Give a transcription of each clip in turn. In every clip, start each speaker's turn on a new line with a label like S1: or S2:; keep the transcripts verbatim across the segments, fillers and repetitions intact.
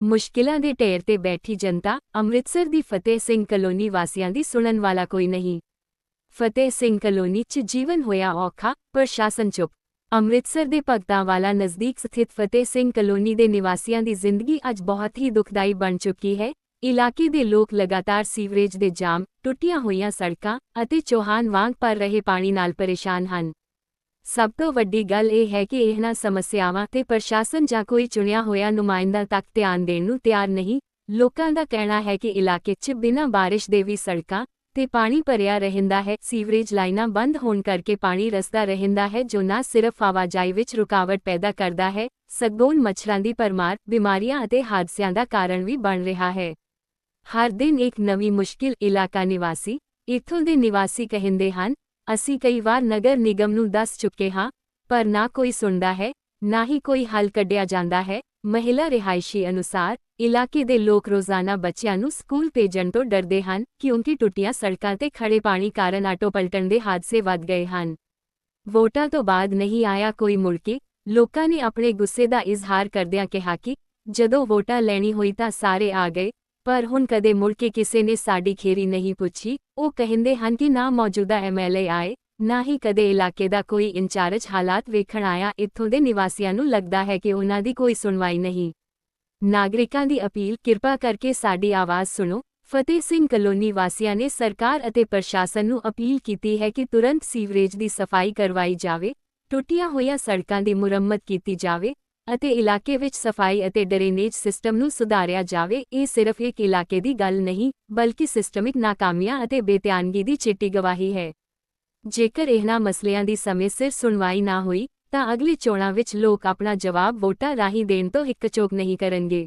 S1: ਮੁਸ਼ਕਿਲਾਂ ਦੇ ਢੇਰ ਤੇ ਬੈਠੀ ਜਨਤਾ, ਅੰਮ੍ਰਿਤਸਰ ਦੀ ਫਤਿਹ ਸਿੰਘ ਕਲੋਨੀ ਵਾਸੀਆਂ ਦੀ ਸੁਣਨ ਵਾਲਾ ਕੋਈ ਨਹੀਂ। ਫਤਿਹ ਸਿੰਘ ਕਲੋਨੀ 'ਚ ਜੀਵਨ ਹੋਇਆ ਔਖਾ, ਪ੍ਰਸ਼ਾਸਨ ਚੁੱਪ। ਅੰਮ੍ਰਿਤਸਰ ਦੇ ਭਗਤਾਂਵਾਲਾ ਨਜ਼ਦੀਕ ਸਥਿਤ ਫਤਿਹ ਸਿੰਘ ਕਲੋਨੀ ਦੇ ਨਿਵਾਸੀਆਂ ਦੀ ਜ਼ਿੰਦਗੀ ਅੱਜ ਬਹੁਤ ਹੀ ਦੁਖਦਾਈ ਬਣ ਚੁੱਕੀ ਹੈ। ਇਲਾਕੇ ਦੇ ਲੋਕ ਲਗਾਤਾਰ ਸੀਵਰੇਜ ਦੇ ਜਾਮ, ਟੁੱਟੀਆਂ ਹੋਈਆਂ ਸੜਕਾਂ ਅਤੇ ਚੌਹਾਨ ਵਾਂਗ ਭਰ ਰਹੇ ਪਾਣੀ ਨਾਲ ਪਰੇਸ਼ਾਨ ਹਨ। ਸਭ ਤੋਂ ਵੱਡੀ ਗੱਲ ਇਹ ਹੈ ਕਿ ਇਹਨਾਂ ਸਮੱਸਿਆਵਾਂ ਤੇ ਪ੍ਰਸ਼ਾਸਨ ਜਾਂ ਕੋਈ ਚੁਣਿਆ ਹੋਇਆ ਨੁਮਾਇੰਦਾ ਤੱਕ ਧਿਆਨ ਦੇਣ ਨੂੰ ਤਿਆਰ ਨਹੀਂ। ਲੋਕਾਂ ਦਾ ਕਹਿਣਾ ਹੈ ਕਿ ਇਲਾਕੇ 'ਚ ਬਿਨਾਂ ਬਾਰਿਸ਼ ਦੇ ਵੀ ਸੜਕਾਂ ਤੇ ਪਾਣੀ ਭਰਿਆ ਰਹਿੰਦਾ ਹੈ। ਸੀਵਰੇਜ ਲਾਈਨਾਂ ਬੰਦ ਹੋਣ ਕਰਕੇ ਪਾਣੀ ਰਸਦਾ ਰਹਿੰਦਾ ਹੈ, ਜੋ ਨਾ ਸਿਰਫ ਆਵਾਜਾਈ ਵਿੱਚ ਰੁਕਾਵਟ ਪੈਦਾ ਕਰਦਾ ਹੈ, ਸਗੋਂ ਮੱਛਰਾਂ ਦੀ ਭਰਮਾਰ, ਬਿਮਾਰੀਆਂ ਅਤੇ ਹਾਦਸਿਆਂ ਦਾ ਕਾਰਨ ਵੀ ਬਣ ਰਿਹਾ ਹੈ। ਹਰ ਦਿਨ ਇੱਕ ਨਵੀਂ ਮੁਸ਼ਕਿਲ। ਇਲਾਕਾ ਨਿਵਾਸੀ ਇੱਥੋਂ ਦੇ ਨਿਵਾਸੀ ਕਹਿੰਦੇ ਹਨ, ਅਸੀਂ ਕਈ ਵਾਰ ਨਗਰ ਨਿਗਮ ਨੂੰ ਦੱਸ ਚੁੱਕੇ ਹਾਂ, ਪਰ ਨਾ ਕੋਈ ਸੁਣਦਾ ਹੈ, ਨਾ ਹੀ ਕੋਈ ਹੱਲ ਕੱਢਿਆ ਜਾਂਦਾ ਹੈ। ਮਹਿਲਾ ਰਿਹਾਇਸ਼ੀ ਅਨੁਸਾਰ ਇਲਾਕੇ ਦੇ ਲੋਕ ਰੋਜ਼ਾਨਾ ਬੱਚਿਆਂ ਨੂੰ ਸਕੂਲ ਭੇਜਣ ਤੋਂ ਡਰਦੇ ਹਨ, ਕਿਉਂਕਿ ਟੁੱਟੀਆਂ ਸੜਕਾਂ ਤੇ ਖੜੇ ਪਾਣੀ ਕਾਰਨ ਆਟੋ ਪਲਟਣ ਦੇ ਹਾਦਸੇ ਵੱਧ ਗਏ ਹਨ। ਵੋਟਾਂ ਤੋਂ ਬਾਅਦ ਨਹੀਂ ਆਇਆ ਕੋਈ ਮੁੜ ਕੇ। ਲੋਕਾਂ ਨੇ ਆਪਣੇ ਗੁੱਸੇ ਦਾ ਇਜ਼ਹਾਰ ਕਰਦਿਆਂ ਕਿਹਾ ਕਿ ਜਦੋਂ ਵੋਟਾਂ ਲੈਣੀ ਹੋਈ ਤਾਂ ਸਾਰੇ ਆ ਗਏ, ਪਰ ਹੁਣ ਕਦੇ ਮੁੜ ਕੇ ਕਿਸੇ ਨੇ ਸਾਡੀ ਖੇਰੀ ਨਹੀਂ ਪੁੱਛੀ। ਉਹ ਕਹਿੰਦੇ ਹਨ ਕਿ ਨਾ ਮੌਜੂਦਾ ਐਮ ਐਲ ਏ ਆਏ, ਨਾ ਹੀ ਕਦੇ ਇਲਾਕੇ ਦਾ ਕੋਈ ਇੰਚਾਰਜ ਹਾਲਾਤ ਵੇਖਣ ਆਇਆ। ਇੱਥੋਂ ਦੇ ਨਿਵਾਸੀਆਂ ਨੂੰ ਲੱਗਦਾ ਹੈ ਕਿ ਉਹਨਾਂ ਦੀ ਕੋਈ ਸੁਣਵਾਈ ਨਹੀਂ। ਨਾਗਰਿਕਾਂ ਦੀ ਅਪੀਲ, ਕਿਰਪਾ ਕਰਕੇ ਸਾਡੀ ਆਵਾਜ਼ ਸੁਣੋ। ਫਤਿਹ ਸਿੰਘ ਕਲੋਨੀ ਵਾਸੀਆਂ ਨੇ ਸਰਕਾਰ ਅਤੇ ਪ੍ਰਸ਼ਾਸਨ ਨੂੰ ਅਪੀਲ ਕੀਤੀ ਹੈ ਕਿ ਤੁਰੰਤ ਸੀਵਰੇਜ ਦੀ ਸਫਾਈ ਕਰਵਾਈ ਜਾਵੇ, ਟੁੱਟੀਆਂ ਹੋਈਆਂ ਸੜਕਾਂ ਦੀ ਮੁਰੰਮਤ ਕੀਤੀ ਜਾਵੇ ਅਤੇ ਇਲਾਕੇ ਵਿੱਚ ਸਫਾਈ ਅਤੇ ਡਰੇਨੇਜ ਸਿਸਟਮ ਨੂੰ ਸੁਧਾਰਿਆ ਜਾਵੇ। ਇਹ ਸਿਰਫ ਇੱਕ ਇਲਾਕੇ ਦੀ ਗੱਲ ਨਹੀਂ, ਬਲਕਿ ਸਿਸਟਮਿਕ ਨਾਕਾਮੀਆਂ ਅਤੇ ਬੇਧਿਆਨਗੀ ਦੀ ਚਿੱਟੀ ਗਵਾਹੀ ਹੈ। ਜੇਕਰ ਇਹਨਾਂ ਮਸਲਿਆਂ ਦੀ ਸਮੇਂ ਸਿਰ ਸੁਣਵਾਈ ਨਾ ਹੋਈ ਤਾਂ ਅਗਲੀ ਚੋਣਾਂ ਵਿੱਚ ਲੋਕ ਆਪਣਾ ਜਵਾਬ ਵੋਟਾਂ ਰਾਹੀਂ ਦੇਣ ਤੋਂ ਹਿੱਕਚੋਕ ਨਹੀਂ ਕਰਨਗੇ।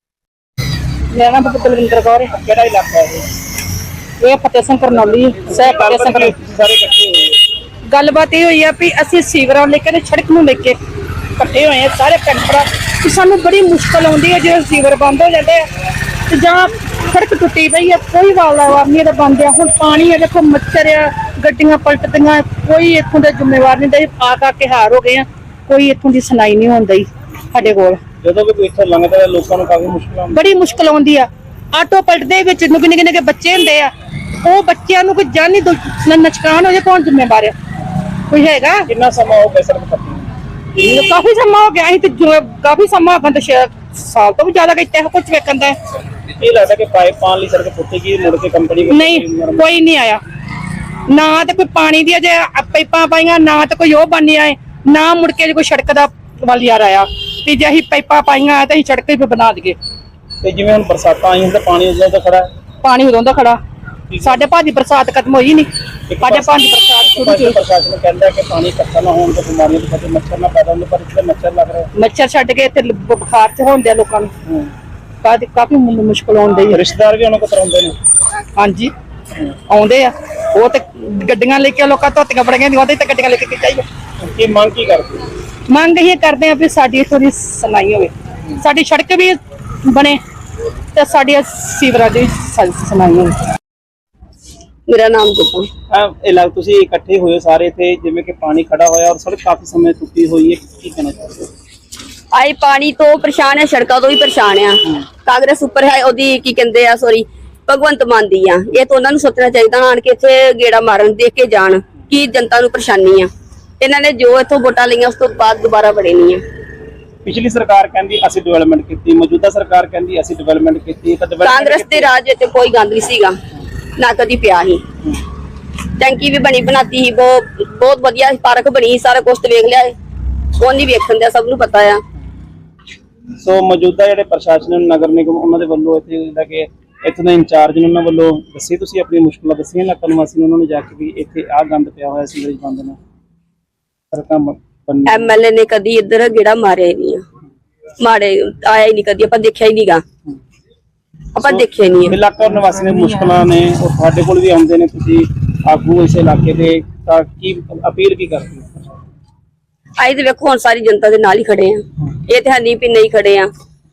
S2: ਮੇਰਾ ਨਾਮ ਬਲਵਿੰਦਰ ਕੌਰ ਹੈ। ਕਿਹੜਾ ਇਲਾਕਾ ਹੈ ਇਹ? ਫਤਿਹ ਸਿੰਘ ਕਰਨੌਲੀ ਸਹਿ ਫਤਿਹ ਸਿੰਘ ਸਾਰੇ ਇਕੱਠੇ ਹੋਏ। ਗੱਲਬਾਤ ਇਹ ਹੋਈ ਆ ਵੀ ਅਸੀਂ ਸੀਵਰਾਂ ਲੈ ਕੇ ਸੜਕ ਨੂੰ ਲੈ ਕੇ ਇਕੱਠੇ ਹੋਏ ਆ ਸਾਰੇ ਪਿੰਡ ਭਰਾ ਕਿ ਸਾਨੂੰ ਬੜੀ ਮੁਸ਼ਕਲ ਆਉਂਦੀ ਹੈ ਜਦੋਂ ਸੀਵਰ ਬੰਦ ਹੋ ਜਾਂਦੇ ਆ ਤੇ ਜਾਂ ਸੜਕ ਟੁੱਟੀ ਪਈ ਹੈ, ਕੋਈ ਵਾਲਾ ਨਹੀਂ ਇਹਦਾ ਬੰਦ ਆ। ਹੁਣ ਪਾਣੀ ਹੈ, ਦੇਖੋ ਮੱਛਰ ਆ, ਗੱਡੀਆਂ ਪਲਟਦੀਆਂ, ਕੋਈ ਇੱਥੋਂ ਦਾ ਜ਼ਿੰਮੇਵਾਰ ਨਹੀਂ ਦਾ। ਆ ਕਾ ਕੇ ਹਾਰ ਹੋ ਗਏ ਆ, ਕੋਈ ਇੱਥੋਂ ਦੀ ਸੁਣਾਈ ਨਹੀਂ ਹੁੰਦੀ ਸਾਡੇ ਕੋਲ। ਜਦੋਂ ਵੀ ਕੋਈ ਇੱਥੋਂ ਲੰਘਦਾ ਲੋਕਾਂ ਨੂੰ ਕਾਫੀ ਮੁਸ਼ਕਲ ਆਉਂਦੀ ਬੜੀ ਮੁਸ਼ਕਲ ਆਉਂਦੀ ਆ। ਆਟੋ ਪਲਟਦੇ ਵਿੱਚ ਨਿੱਕੇ ਨਿੱਕੇ ਨਿੱਕੇ ਬੱਚੇ ਹੁੰਦੇ ਆ, ਉਹ ਬੱਚਿਆਂ ਨੂੰ ਕੋਈ ਜਾਨੀ ਨੁਕਸਾਨ ਹੋ ਜਾਏ, ਕੌਣ ਜ਼ਿੰਮੇਵਾਰ ਆ? ਕੋਈ ਹੈਗਾ? ਕਿੰਨਾ ਸਮਾਂ ਹੋ ਗਿਆ ਸੜਕ ਪੱਟੀ? ਕਾਫੀ ਸਮਾਂ ਹੋ ਗਿਆ। ਅਸੀਂ ਤੇ ਕਾਫੀ ਸਮਾਂ ਹੋ ਗਿਆ, ਸਾਲ ਤੋਂ ਵੀ ਜ਼ਿਆਦਾ ਕੀਤਾ ਕੁਝ ਵੇਖਣ ਦਾ। ਇਹ ਲੱਗਦਾ ਕਿ ਪਾਈਪ ਪਾਣ ਲਈ ਸੜਕ ਪੁੱਟੇਗੀ, ਮੁੜ ਕੇ ਕੰਪਨੀ ਨਹੀਂ, ਕੋਈ ਨਹੀਂ ਆਇਆ। ਨਾ ਤੇ ਕੋਈ ਪਾਣੀ ਦੀ ਅਜੇ ਪਾਈਪਾਂ ਪਾਈਆਂ, ਨਾ ਤੇ ਕੋਈ ਉਹ ਬਣ ਆਏ, ਨਾ ਮੁੜ ਕੇ ਕੋਈ ਸੜਕ ਦਾ ਵੱਲ ਯਾਰ ਆਇਆ ਵੀ ਜੇ ਅਸੀਂ ਪਾਈਪਾਂ ਪਾਈਆਂ ਤੇ ਅਸੀਂ ਸੜਕ ਹੀ ਬਣਾ ਦਈਏ। ਤੇ ਜਿਵੇਂ ਹੁਣ ਬਰਸਾਤਾਂ ਆਈਆਂ ਤਾਂ ਪਾਣੀ ਉਦੋਂ ਦਾ ਖੜਾ ਪਾਣੀ ਉਦੋਂ ਦਾ ਖੜਾ ਸਾਡੇ ਭਾਜੀ ਬਰਸਾਤ ਖਤਮ ਹੋਈ ਨਹੀਂ। ਸਾਡੇ ਭਾਜੀ ਬਰਸਾਤ ਸ਼ੁਰੂ ਹੋਈ। ਪ੍ਰਸ਼ਾਸਨ ਕਹਿੰਦਾ ਕਿ ਪਾਣੀ ਇਕੱਠਾ ਨਾ ਹੋਣ ਤੇ ਬਿਮਾਰੀਆਂ ਤੋਂ ਬਚੇ, ਮੱਛਰ ਨਾ ਪੈਦਾ ਹੋਣ, ਪਰ ਇੱਥੇ ਮੱਛਰ ਲੱਗ ਰਿਹਾ। ਮੱਛਰ ਛੱਡ ਕੇ ਇੱਥੇ ਬੁਖਾਰ ਚ ਹੋਣ ਦਿਆ ਲੋਕਾਂ ਨੂੰ, ਕਾਫੀ ਕਾਫੀ ਮੁਸ਼ਕਲ ਆਉਂਦੀ ਹੈ। ਰਿਸ਼ਤੇਦਾਰ ਵੀ ਉਹਨਾਂ ਕੋਲ ਕਰਾਉਂਦੇ ਨੇ? ਹਾਂਜੀ ਆਉਂਦੇ ਆ, ਉਹ ਤੇ ਗੱਡੀਆਂ ਲੈ ਕੇ ਲੋਕਾਂ ਧੋਤੀਆਂ ਬੜੀਆਂ ਦੀਆਂ, ਉਹਦੇ ਤੇ ਗੱਡੀਆਂ ਲੈ ਕੇ ਚਾਹੀਏ। ਕੀ ਮੰਗ ਕੀ ਕਰਦੇ? ਮੰਗ ਇਹ ਕਰਦੇ ਆ ਵੀ ਸਾਡੀ ਇੱਥੋਂ ਦੀ ਸੁਣਾਈ ਹੋਵੇ, ਸਾਡੀ ਸੜਕ ਵੀ ਬਣੇ ਤੇ ਸਾਡੀ ਸੀਵਰਾਂ ਦੀ ਸੁਣਾਈ ਹੋਵੇ। ਮੇਰਾ ਨਾਮ ਗੁਰਪ੍ਰੀਤ। ਇਹ ਲੱਗ ਤੁਸੀਂ ਇਕੱਠੇ ਹੋਏ ਸਾਰੇ ਇੱਥੇ, ਜਿਵੇਂ ਕਿ ਪਾਣੀ ਖੜਾ ਹੋਇਆ ਔਰ ਸੜਕ ਕਾਫੀ ਸਮੇਂ ਟੁੱਟੀ ਹੋਈ ਹੈ, ਕੀ ਕਹਿਣਾ ਚਾਹੁੰਦੇ ਹੋ?
S3: ਆਏ ਪਾਣੀ ਤੋਂ ਪਰੇਸ਼ਾਨ ਹੈ, ਸੜਕਾਂ ਤੋਂ ਵੀ ਪਰੇਸ਼ਾਨ ਆ। ਕਾਂਗਰਸ ਉੱਪਰ ਹੈ, ਉਹਦੀ ਕੀ ਕਹਿੰਦੇ ਆ ਸੋਰੀ ਭਗਵੰਤ ਮਾਨ ਦੀ ਆ। ਇਹ ਤਾਂ ਉਹਨਾਂ ਨੂੰ ਸੋਚਣਾ ਚਾਹੀਦਾ ਆਣ ਕੇ ਇੱਥੇ ਗੇੜਾ ਮਾਰਨ, ਦੇਖ ਕੇ ਜਾਣ ਕੀ ਜਨਤਾ ਨੂੰ ਪਰੇਸ਼ਾਨੀ ਆ। ਇਹਨਾਂ ਨੇ ਜੋ ਇੱਥੋਂ ਵੋਟਾਂ ਲਈਆਂ ਉਸ ਤੋਂ ਬਾਅਦ ਦੁਬਾਰਾ ਬੜੇ ਨਹੀਂ ਆ।
S2: ਪਿਛਲੀ ਸਰਕਾਰ ਕਹਿੰਦੀ ਅਸੀਂ ਡਿਵੈਲਪਮੈਂਟ ਕੀਤੀ, ਮੌਜੂਦਾ ਸਰਕਾਰ ਕਹਿੰਦੀ ਅਸੀਂ ਡਿਵੈਲਪਮੈਂਟ ਕੀਤੀ।
S3: ਕਾਂਗਰਸ ਦੇ ਰਾਜ ਤੇ ਕੋਈ ਗੰਦ ਨਹੀਂ ਸੀਗਾ, ਨਾ ਕਦੀ ਪਿਆ ਸੀ। ਟੈਂਕੀ ਵੀ ਬਣੀ ਬਣਾਤੀ ਸੀ, ਬਹੁਤ ਬਹੁਤ ਵਧੀਆ ਪਾਰਕ ਬਣੀ, ਸਾਰਾ ਕੁਛ ਵੇਖ ਲਿਆ। ਉਹ ਨਹੀਂ ਵੇਖਣ ਦਾ, ਸਭ ਨੂੰ ਪਤਾ ਆ।
S2: ਸੋ ਮੌਜੂਦਾ ਜਿਹੜੇ ਪ੍ਰਸ਼ਾਸਨ ਨਗਰ ਨਿਗਮ ਉਹਨਾਂ ਦੇ ਵੱਲੋਂ ਇੱਥੇ ਜਿਹੜਾ ਕਿ ਇੱਥੋਂ ਦੇ ਇੰਚਾਰਜ ਨੇ ਉਹਨਾਂ ਵੱਲੋਂ ਦੱਸੀ, ਤੁਸੀਂ ਆਪਣੀ ਮੁਸ਼ਕਲਾਂ ਦੱਸੀਆਂ ਇਲਾਕਾ ਨਿਵਾਸੀ ਨੇ ਉਹਨਾਂ ਨੂੰ ਜਾ ਕੇ ਵੀ ਇੱਥੇ ਆਹ ਗੰਦ ਪਿਆ ਹੋਇਆ ਸੀਵਰੇਜ ਬੰਦ ਨੇ ਸੜਕਾਂ।
S3: ਐਮ ਐਲ ਏ ਨੇ ਕਦੀ ਇੱਧਰ ਗੇੜਾ ਮਾਰਿਆ ਹੀ ਨਹੀਂ, ਮਾਰੇ ਆਇਆ ਹੀ ਨਹੀਂ ਕਦੀ, ਆਪਾਂ ਦੇਖਿਆ ਹੀ ਨਹੀਂਗਾ, ਆਪਾਂ ਦੇਖਿਆ ਹੀ ਨਹੀਂ।
S2: ਇਲਾਕਾ ਨਿਵਾਸੀ ਨੇ ਮੁਸ਼ਕਲਾਂ ਨੇ, ਉਹ ਤੁਹਾਡੇ ਕੋਲ ਵੀ ਆਉਂਦੇ ਨੇ, ਤੁਸੀਂ ਆਗੂ ਇਸ ਇਲਾਕੇ ਦੇ, ਤਾਂ ਕੀ ਅਪੀਲ ਕੀ ਕਰਦੇ ਹੋ?
S3: ਆਏ ਤੇ ਵੇਖੋ ਹੁਣ ਸਾਰੀ ਜਨਤਾ ਦੇ ਨਾਲ ਹੀ ਖੜੇ ਆ, ਇਹ ਤੇ ਹੈ ਨਹੀਂ ਵੀ ਨਹੀਂ ਖੜੇ ਆ।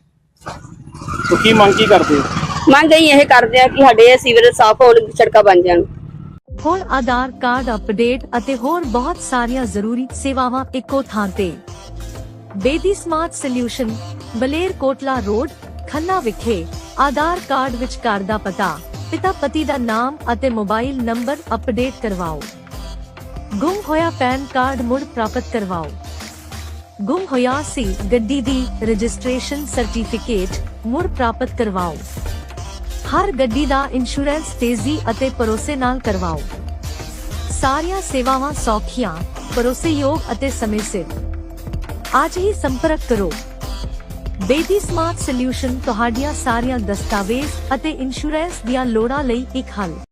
S2: ਸੋ ਕੀ ਮੰਗ ਕੀ ਕਰਦੇ ਹੋ?
S3: ਮੰਗ ਅਸੀਂ ਇਹ ਕਰਦੇ ਆ ਕਿ ਸਾਡੇ ਸੀਵਰੇਜ ਸਾਫ਼ ਹੋਣ, ਸੜਕਾਂ ਬਣ ਜਾਣ।
S4: ਹੋਰ ਆਧਾਰ ਕਾਰਡ ਅਪਡੇਟ ਅਤੇ ਹੋਰ ਬਹੁਤ ਸਾਰੀਆਂ ਜ਼ਰੂਰੀ ਸੇਵਾਵਾਂ ਇੱਕੋ ਥਾਂ ਤੇ। Bedi smart solution, Baler Kotla road, Khanna ਵਿਖੇ ਆਧਾਰ ਕਾਰਡ ਵਿੱਚ ਘਰ ਦਾ ਪਤਾ, ਪਿਤਾ ਪਤੀ ਦਾ ਨਾਮ ਅਤੇ ਮੋਬਾਈਲ ਨੰਬਰ ਅਪਡੇਟ ਕਰਵਾਓ। ਗੁੰਮ ਹੋਇਆ ਪੈਨ ਕਾਰਡ ਮੁੜ ਪ੍ਰਾਪਤ ਕਰਵਾਓ। ਗੁੰਮ ਹੋਇਆ ਸੀ ਗੱਡੀ ਦੀ ਰਜਿਸਟ੍ਰੇਸ਼ਨ ਸਰਟੀਫਿਕੇਟ ਮੁੜ ਪ੍ਰਾਪਤ ਕਰਵਾਓ। ਹਰ ਗੱਡੀ ਦਾ ਇੰਸ਼ੋਰੈਂਸ ਤੇਜ਼ੀ ਅਤੇ ਭਰੋਸੇ ਨਾਲ ਕਰਵਾਓ। ਸਾਰੀਆਂ ਸੇਵਾਵਾਂ ਸੌਖੀਆਂ, ਭਰੋਸੇਯੋਗ ਅਤੇ ਸਮੇਂ ਸਿਰ। ਅੱਜ ਹੀ ਸੰਪਰਕ ਕਰੋ। ਬੇਦੀ ਸਮਾਰਟ ਸੋਲਿਊਸ਼ਨ ਤੁਹਾਡੀਆਂ ਸਾਰੀਆਂ ਦਸਤਾਵੇਜ਼ ਅਤੇ ਇੰਸ਼ੋਰੈਂਸ ਦੀਆਂ ਲੋੜਾਂ ਲਈ ਇੱਕ ਹੱਲ।